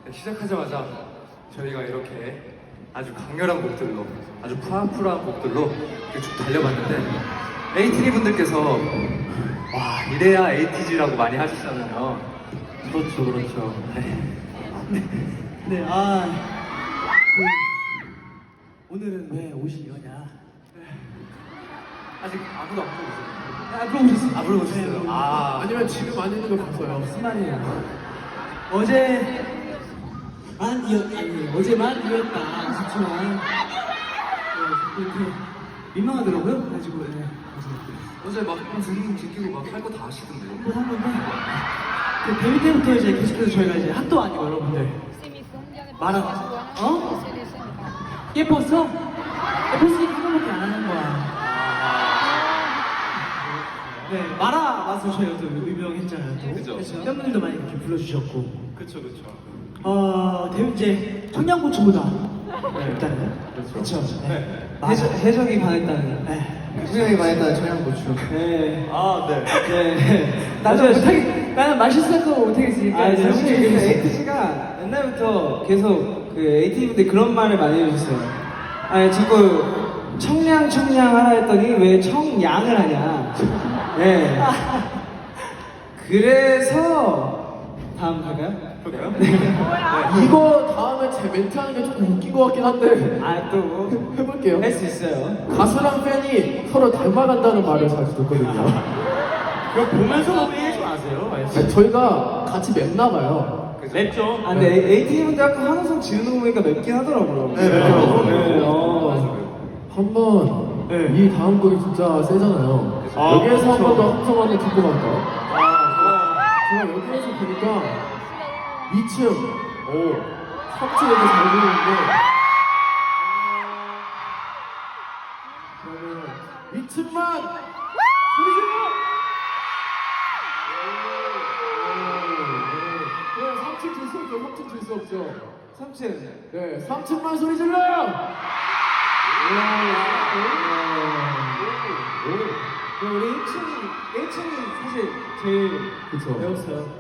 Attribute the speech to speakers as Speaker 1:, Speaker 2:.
Speaker 1: 시작하자마자 저희가 이렇게 아주 강렬한 곡들로, 아주 푸랑푸랑한 곡들로 이렇게 쭉 달려봤는데 에이티니 분들께서 와 이래야 에이티즈라고 많이 하시잖아요. 그렇죠, 그렇죠.
Speaker 2: 네, 오늘은 왜 오신 거냐?
Speaker 1: 아직 아무도 안 물어보셨어요.
Speaker 2: 물어보셨어요.
Speaker 1: 물어보셨어요.
Speaker 2: 네,
Speaker 3: 아니면 지금 안 있는 거 봤어요.
Speaker 2: 무슨 말이에요? 어제만 이었다 싶지만 이렇게 민망하더라고요. 가지고
Speaker 1: 어제 막 등 지키고 막 할 거 다 하시던데요.
Speaker 2: 한 건데 그 데뷔 때부터 이제 계속해서 저희가 이제 학도 아니고 여러분들 말아 예뻤어? 예뻤으니까 한 번밖에 안 하는 거야. 네, 마라 맛으로 저희가 또 유명했잖아요. 또.
Speaker 1: 그죠.
Speaker 2: 팬분들도 많이 이렇게 불러주셨고.
Speaker 1: 그쵸.
Speaker 2: 이제 청양고추보다 일단은 그렇죠. 네. 해적이 반했다는. 네.
Speaker 3: 수영이 많이 했다 청양고추.
Speaker 2: 네.
Speaker 3: 네.
Speaker 2: 나는 맛있을 거 못하겠으니까.
Speaker 4: 사실 그 에이티즈가 옛날부터 계속 그 에이티즈 분들 그런 말을 많이 해주셨어요. 아니 자꾸 청량 하라 했더니 왜 청양을 하냐. 네. 그래서 다음 갈까요?
Speaker 1: 그럴까요?
Speaker 3: 이거 다음에 제 멘트 하는 게 조금 웃긴 것 같긴 한데
Speaker 4: 또
Speaker 3: 해볼게요.
Speaker 4: 할 수 있어요.
Speaker 3: 가수랑 팬이 서로 닮아간다는 말을 자주 듣거든요.
Speaker 1: 그거 보면서 얘기하지 마세요.
Speaker 3: 아니, 저희가 같이 맵나 봐요.
Speaker 1: 맵죠.
Speaker 4: 아 근데 에이티즈 분들 아까 항상 지르는 거 보니까 맵긴 하더라고요.
Speaker 3: 네, 맵죠.
Speaker 4: 네.
Speaker 3: 한번 이 다음 곡이 진짜 세잖아요. 여기에서 한 번 더 함성 한번 듣고 갈까요? 제가 여기에서 보니까 2층, 3층 이렇게 잘 보이는데 그러면 2층만 소리 질러! 네, 3층 줄 수 없죠. 3층 줄 수 없죠.
Speaker 4: 3층.
Speaker 3: 네, 3층만 소리 질러!
Speaker 4: 우리 1층이 사실 제일
Speaker 3: 그쵸.
Speaker 4: 배웠어요.